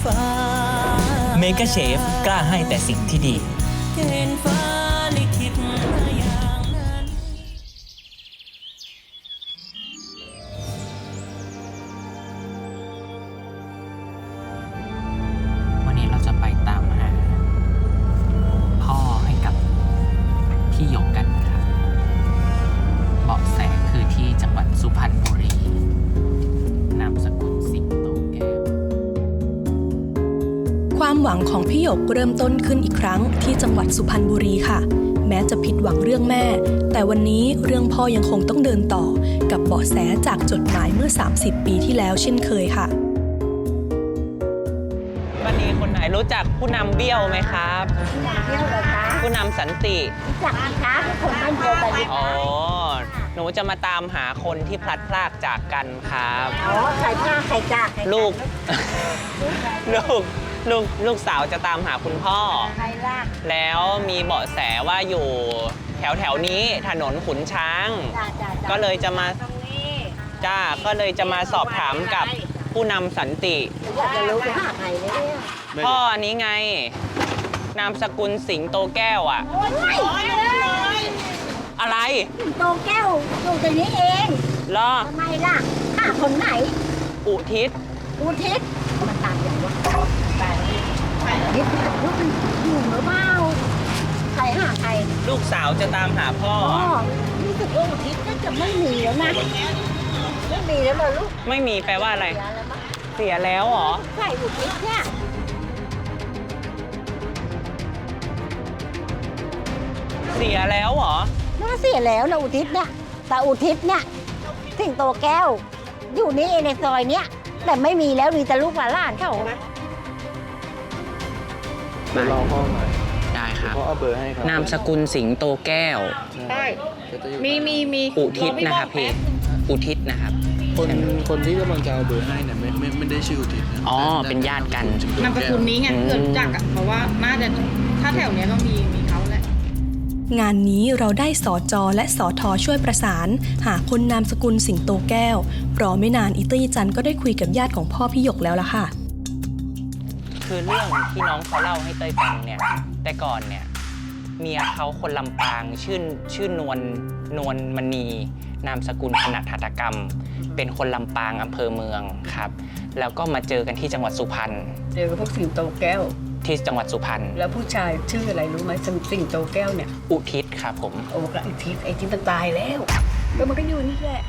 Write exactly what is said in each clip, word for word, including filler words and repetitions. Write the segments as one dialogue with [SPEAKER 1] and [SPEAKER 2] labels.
[SPEAKER 1] ฟ้าเมกะเชฟกล้าให้แต่สิ่งที่ดีเกณฑ์ฟ้าลิขิตมาอย่างนั้นวันนี้เราจะไปตามหาพ่อให้กับพี่หยกกันครับเบาะแสคือที่จังหวัดสุพรรณบุรีนามสกุลสิงโตแก้ว
[SPEAKER 2] ความหวังของพี่หยกเริ่มต้นขึ้นอีกครั้งที่จังหวัดสุพรรณบุรีค่ะแม้จะผิดหวังเรื่องแม่แต่วันนี้เรื่องพ่อยังคงต้องเดินต่อกับเบาะแสจากจดหมายเมื่อสามสิบปีที่แล้วเช่นเคยค่ะ
[SPEAKER 3] วันนี้คนไหนรู้จักผู้นำเบี้ยวไหมครับ
[SPEAKER 4] เที่ยวเหรอคะ
[SPEAKER 3] ผู้นำสันติ
[SPEAKER 4] รู้จักไหมคะทุกคนบ้านเดียวกัน
[SPEAKER 3] อ๋อหนูจะมาตามหาคนที่พลัดพรากจากกันครับ
[SPEAKER 4] อ๋อใครพลาดใครจาก
[SPEAKER 3] ลูก ลูกลูกลูกสาวจะตามหาคุณพ่อ
[SPEAKER 4] ใครลาก
[SPEAKER 3] แล้วมีเบาะแสว่าอยู่แถวแถวนี้ถนนขุนช้าง ก็เลยจะมาจ้าก็เลยจะมาสอบถามกับผู้นำสันติ
[SPEAKER 4] อยากจะรู้ว่าใครเนี่ย
[SPEAKER 3] พ่ออันนี้ไงนามสกุลสิงโตแก้วอ่ะอะไร
[SPEAKER 4] สิงโตแก้วอยู่ตรงนี้เอง
[SPEAKER 3] เหรอ
[SPEAKER 4] ทำไมล่ะข้าคนไหน
[SPEAKER 3] อุทิศ
[SPEAKER 4] อุทิศมันตามอย่างวะนิดลูกมันอยู่หรือเปล่าใครหาใคร
[SPEAKER 3] ลูกสาวจะตามหาพ่อ
[SPEAKER 4] รู้สึกว่าอุทิศก็จะไม่มีแล้วนะไม่มีแล้วเหรอลูก
[SPEAKER 3] ไม่มีแปลว่าอะไรเสียแล้วเหรอ
[SPEAKER 4] ใช่อุทิศเนี่ย
[SPEAKER 3] เสียแล้วเหรอ
[SPEAKER 4] น่าเสียแล้วนะอุทิศเนี่ยแต่อุทิศเนี่ยสิงโตแก้วอยู่นี่เองในซอยเนี้ยแต่ไม่มีแล้วมีแต่ลูกหลานเขานะ
[SPEAKER 5] เดี๋ยวรอพ่อหน่อย
[SPEAKER 3] ได้ครับ
[SPEAKER 5] พ่อเอาเบอร์ให้ครับ
[SPEAKER 3] นามสกุลสิงโตแก้ว
[SPEAKER 4] ใช่มีมีมี
[SPEAKER 3] อุทิศนะครับพี่อุทิศนะครับ
[SPEAKER 5] คนคนที่กำลังจะเอาเบอร์ให้เนี่ยไม่ไม่ไม่ได้ชื่ออุทิศนะ
[SPEAKER 3] อ๋อเป็นญาติกัน
[SPEAKER 6] นามสกุลนี้ไงเกิดจากอ่ะเพราะว่าน่าจะถ้าแถวเนี้ยต้องมีมีเขาแหละ
[SPEAKER 2] งานนี้เราได้สจและสทช่วยประสานหาคนนามสกุลสิงโตแก้วรอไม่นานอิตี้จันก็ได้คุยกับญาติของพ่อพี่หยกแล้วล่ะค่ะ
[SPEAKER 3] คือเรื่องที่น้องเขาเล่าให้เต้ยฟังเนี่ยแต่ก่อนเนี่ยเมียเขาคนลำปางชื่อชื่อนวลนวลมณีนามสกุลถนัดหัตถกรรมเป็นคนลำปางอำเภอเมืองครับแล้วก็มาเจอกันที่จังหวัดสุพรรณ
[SPEAKER 6] เจอกับพวกสิงโตแก้ว
[SPEAKER 3] ที่จังหวัดสุพรรณ
[SPEAKER 6] แล้วผู้ชายชื่ออะไรรู้ไหมสิงโตแก้วเนี่ย
[SPEAKER 3] อุทิศครับผม
[SPEAKER 6] โอ้ก็อุทิศไอ้ที่มันตายแล้วแล้วมันก็อยู่นี่แหละ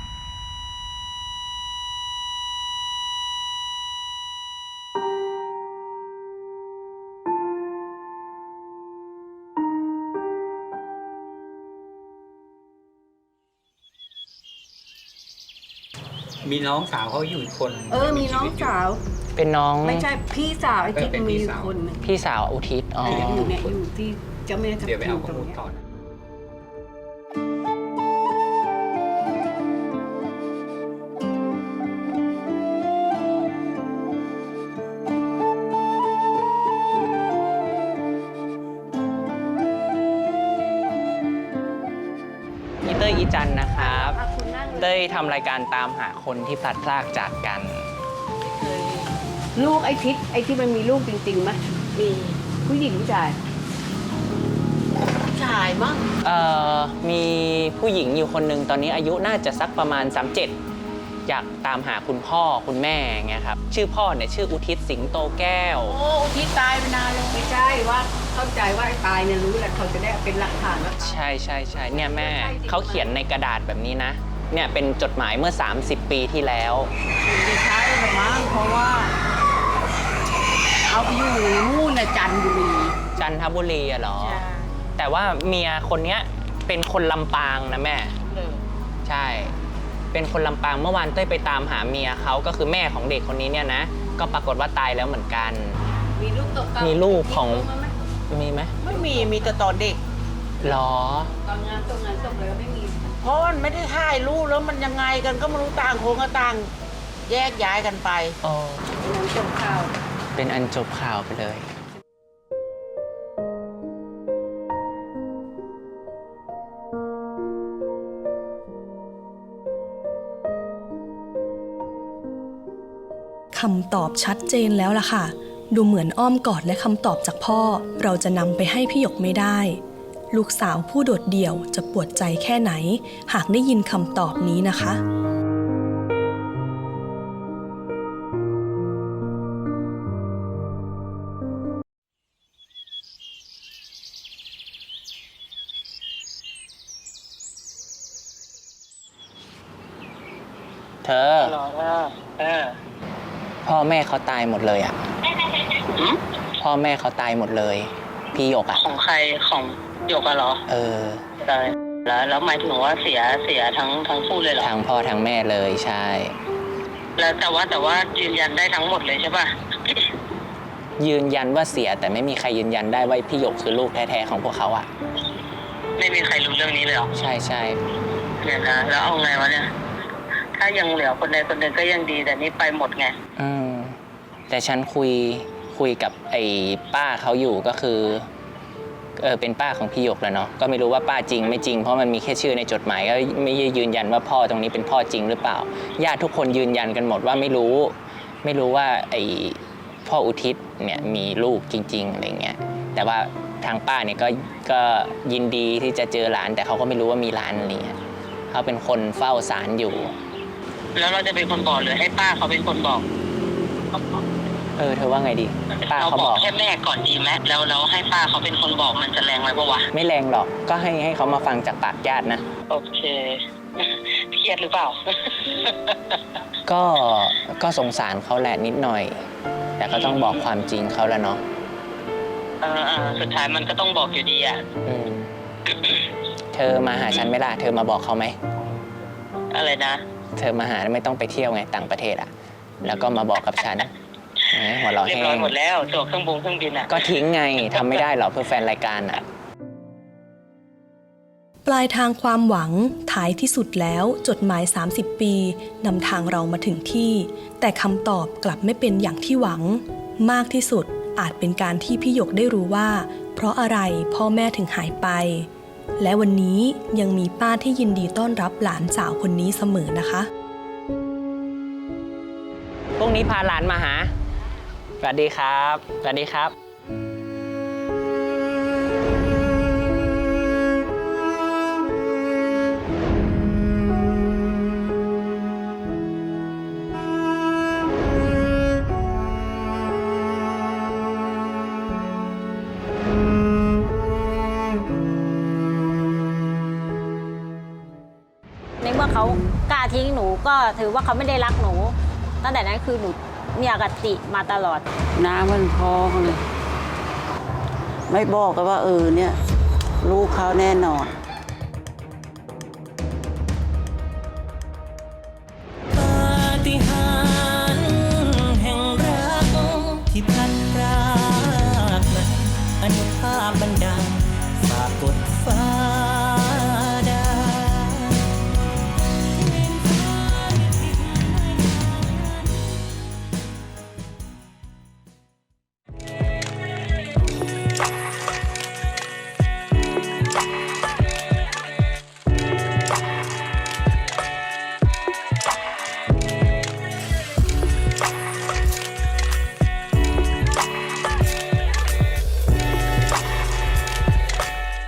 [SPEAKER 7] มีน้องสาวเขาอยู่อีกคน
[SPEAKER 6] เออมีน้องสาว
[SPEAKER 3] เป็นน้อง
[SPEAKER 6] ไม่ใช่พี่สาวไอ้ที่มีคน
[SPEAKER 3] พี่สาวอุทิศอ๋อ
[SPEAKER 6] อยู่เนี่ยอยู่ที่เจ้าแม่ทับทิม
[SPEAKER 7] เดี๋ยวไปเอาข้อมูลก่อน
[SPEAKER 3] อีเต้ยอีจันนะครับเต้ยทำรายการตามหาคนที่พลัดพรากจากกัน
[SPEAKER 6] ลูกไอ้ทิศไอ้ที่มันมีลูกจริงๆไหมมีผู้หญิงผู้ชาย
[SPEAKER 4] ชายมั้ง
[SPEAKER 3] เอ่อมีผู้หญิงอยู่คนหนึ่งตอนนี้อายุน่าจะสักประมาณสามสิบเจ็ดอยากตามหาคุณพ่อคุณแม่ไงครับชื่อพ่อเนี่ยชื่ออุทิศสิงโตแก้ว
[SPEAKER 6] โอ้อุทิศตายไปนานเลยไม่ใช่ว่าเข้าใจว่าไอ้ตายเนี่ยรู้แหละเขาจะได้เป็นหลักฐานว่า
[SPEAKER 3] ใช่ใช่ใช่เนี่ยแม่เขาเขียนในกระดาษแบบนี้นะเนี่ยเป็นจดหมายเมื่อสามสิบปีที่แล้ว
[SPEAKER 6] ไม่ใช่หรอกมั้งเพราะว่าเอาไปอยู่นู่นน่ะจันทบุรี
[SPEAKER 3] จันทบุรีอะเหรอแต่ว่าเมียคนเนี้ยเป็นคนลำปางนะแม่ใช่เป็นคนลำปางเมื่อวานเต้ยไปตามหาเมียเขาก็คือแม่ของเด็กคนนี้เนี่ยนะก็ปรากฏว่าตายแล้วเหมือนกัน
[SPEAKER 6] มีลูกตก
[SPEAKER 3] มีลูกของมีไหม
[SPEAKER 6] ไม่มีมีแต่ตอนเด็ก
[SPEAKER 3] หรอ
[SPEAKER 6] ตอนงานตรงงานศพเลยไม่มี
[SPEAKER 8] เพราะมันไม่ได้ถ่ายรูปแล้วมันยังไงกันก็ไม่รู้ต่างคนก็ต่างแยกย้ายกันไป
[SPEAKER 3] อ๋อ
[SPEAKER 6] เป็นอันจบข่าว
[SPEAKER 3] เป็นอันจบข่าวไปเลย
[SPEAKER 2] คำตอบชัดเจนแล้วล่ะค่ะ ดูเหมือนอ้อมกอดและคำตอบจากพ่อเราจะนำไปให้พี่หยกไม่ได้ ลูกสาวผู้โดดเดี่ยวจะปวดใจแค่ไหน หากได้ยินคำตอบนี้นะคะ
[SPEAKER 3] เธอพ่อแม่เขาตายหมดเลยอ่ะพ่อแม่เขาตายหมดเลย พี่หยกอ่ะ
[SPEAKER 9] ของใครของหยกอะเหรอ
[SPEAKER 3] เออ
[SPEAKER 9] ตายแล้วแล้วหมายถึงว่าเสียเสียทั้งทั้งคู่เลยเหรอ
[SPEAKER 3] ทั้งพ่อทั้งแม่เลยใช่
[SPEAKER 9] แล้วแต่ว่าแต่ว่ายืนยันได้ทั้งหมดเลยใช่ป่ะ
[SPEAKER 3] ยืนยันว่าเสียแต่ไม่มีใครยืนยันได้ว่าพี่หยกคือลูกแท้ๆของพวกเขาอ่ะ
[SPEAKER 9] ไม่มีใครรู้เรื่องนี้เลยเหรอ
[SPEAKER 3] ใช่ใช่
[SPEAKER 9] เนี่ยนะแล้วเอาไงวะเนี่ยถ้ายังเหลือคนใดคนหนึ่งก็ยังดีแต่นี่ไปหมดไง
[SPEAKER 3] อืมแต่ฉันคุยคุยกับไอ้ป้าเขาอยู่ก็คือเออเป็นป้าของพี่หยกแล้วเนาะก็ไม่รู้ว่าป้าจริงไม่จริงเพราะมันมีแค่ชื่อในจดหมายก็ไม่ยืนยันว่าพ่อตรงนี้เป็นพ่อจริงหรือเปล่าญาติทุกคนยืนยันกันหมดว่าไม่รู้ไม่รู้ว่าไอ้พ่ออุทิศเนี่ยมีลูกจริงๆอะไรเงี้ยแต่ว่าทางป้าเนี่ยก็ก็ยินดีที่จะเจอหลานแต่เขาก็ไม่รู้ว่ามีหลานอะไรเงี้ยเขาเป็นคนเฝ้าศาลอยู่
[SPEAKER 9] แล้วเราจะเป็นคนบอกหรือให้ป้าเขาเป็นคนบอก
[SPEAKER 3] เออเธอว่าไงดีป้า
[SPEAKER 9] เรา
[SPEAKER 3] เขา
[SPEAKER 9] บบ อ
[SPEAKER 3] อก ก
[SPEAKER 9] แค่แม่ก่อนดีไหมแล้วเราให้ป้าเขาเป็นคนบอกมันจะแรงไหมปะวะ
[SPEAKER 3] ไม่แรงหรอกก็ให้ให้เขามาฟังจากปากญาตินะ
[SPEAKER 9] โอเคเครียดหรือเปล่า
[SPEAKER 3] ก็ก็สงสารเขาแหละนิดหน่อย แต่ก็ต้องบอกความจริงเขาแล้วเนาะ
[SPEAKER 9] เออเออสุดท้ายมันก็ต้องบอกอยู่ดีอ่ะ
[SPEAKER 3] อืม เธอมาหาฉันไหมล่ะเธอมาบอกเขาไหม
[SPEAKER 9] อะไรนะ
[SPEAKER 3] เธอมาหาไม่ต้องไปเที่ยวไงต่างประเทศอ่ะ แล้วก็มาบอกกับฉันแหมหัวเราะ
[SPEAKER 9] เรีย
[SPEAKER 3] แห้
[SPEAKER 9] บร้อย
[SPEAKER 3] ง
[SPEAKER 9] หมดแล้วตั๋วเครื่องบงเครื่องบินอ่ะ
[SPEAKER 3] ก็ทิ้งไงทำไม่ได้หรอกเพื่อแฟนรายการอ่ะ
[SPEAKER 2] ปลายทางความหวังท้ายที่สุดแล้วจดหมาย สามสิบ ปีนำทางเรามาถึงที่ แต่คำตอบกลับไม่เป็นอย่างที่หวัง มากที่สุดอาจเป็นการที่พี่หยกได้รู้ว่า เพราะอะไรพ่อแม่ถึงหายไป และวันนี้ยังมีป้าที่ยินดีต้อนรับหลานสาวคนนี้เสมอนะคะ
[SPEAKER 3] พรุ่งนี้พาหลานมาหา สวัสดีครับ สวัสดีครับ
[SPEAKER 4] ในเมื่อเขากล้าทิ้งหนูก็ถือว่าเขาไม่ได้รักหนู ตั้งแต่นั้นคือหนูมีอคติมาตลอด
[SPEAKER 6] น้ำมันพองเลย ไม่บอกกันว่าเออเนี่ยลูกเขาแน่นอน